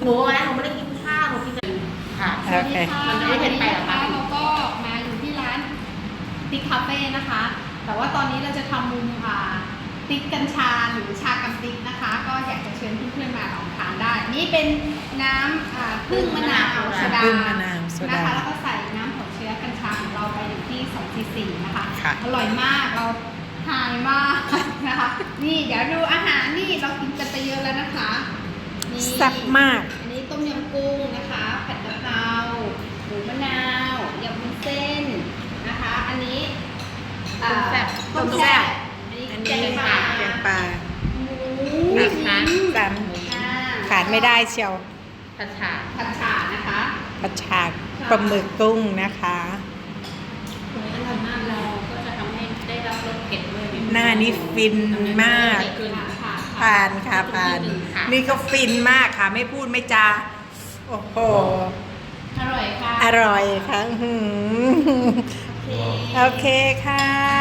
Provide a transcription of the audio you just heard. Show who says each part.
Speaker 1: นูนะหนูไม่ได้กินข้าวหนูกินแต่ค่ะ
Speaker 2: โอเค
Speaker 1: มันไม่เผ็ดไปหรอคะ
Speaker 3: เราก็มาอยู่ที่ร้านติ๊กคาเฟ่นะคะ แต่ว่าตอนนี้เราจะทำมุมติ๊กกัญชาหรือชากับติ๊กนะคะ ก็อยากจะเชิญเพื่อนๆมาลองทานได้ นี่เป็นน้ำผึ้งมะนาวโซดา
Speaker 2: ผึ้งมะนาวโซดา
Speaker 3: นะคะแล้วก็ใส่น้ำหัวเชื้อกัญชาของเราไปอยู่ที่2 cc นะคะ
Speaker 2: ค่ะ
Speaker 3: อร่อยมากเราทานมากนะคะ นี่เดี๋ยวดูอาหารนี่เรากินกันไปเยอะแล้วนะคะนี่
Speaker 2: แซ่บมาก
Speaker 3: อันนี้ต้มยำกุ้งนะคะผัดกะเพราหมูมะนาวยำวุ้นเส้นนะคะ อันนี้
Speaker 1: ต้มแซ่บ
Speaker 3: ต้มแซ่บอันนี้
Speaker 2: อัน
Speaker 3: แก
Speaker 2: นี้
Speaker 3: งปลา
Speaker 2: แกงปลา
Speaker 3: หมู
Speaker 1: นะคะ
Speaker 2: จาน
Speaker 3: อ่
Speaker 2: ขาดไม่ได้เชียว
Speaker 1: ผัดฉา
Speaker 3: ผัดฉ่านะคะ
Speaker 2: ผัดฉากปลาหมึกกุ้งนะคะ
Speaker 1: ตรงนี้อร่อยมากเราก็จะทำให้ได้รับรสเผ็ดด้วย
Speaker 2: หน้านี่ฟินมาก
Speaker 3: ค่ะ
Speaker 2: ผ่านค่ะผ่าน นี่ก็ฟินมากค่ะ ไม่พูดไม่จา โอ้โห
Speaker 3: อร่อยค่ะ
Speaker 2: อร่อยค่ะอื้อหือ
Speaker 3: โอเค
Speaker 2: โอเคค่ะ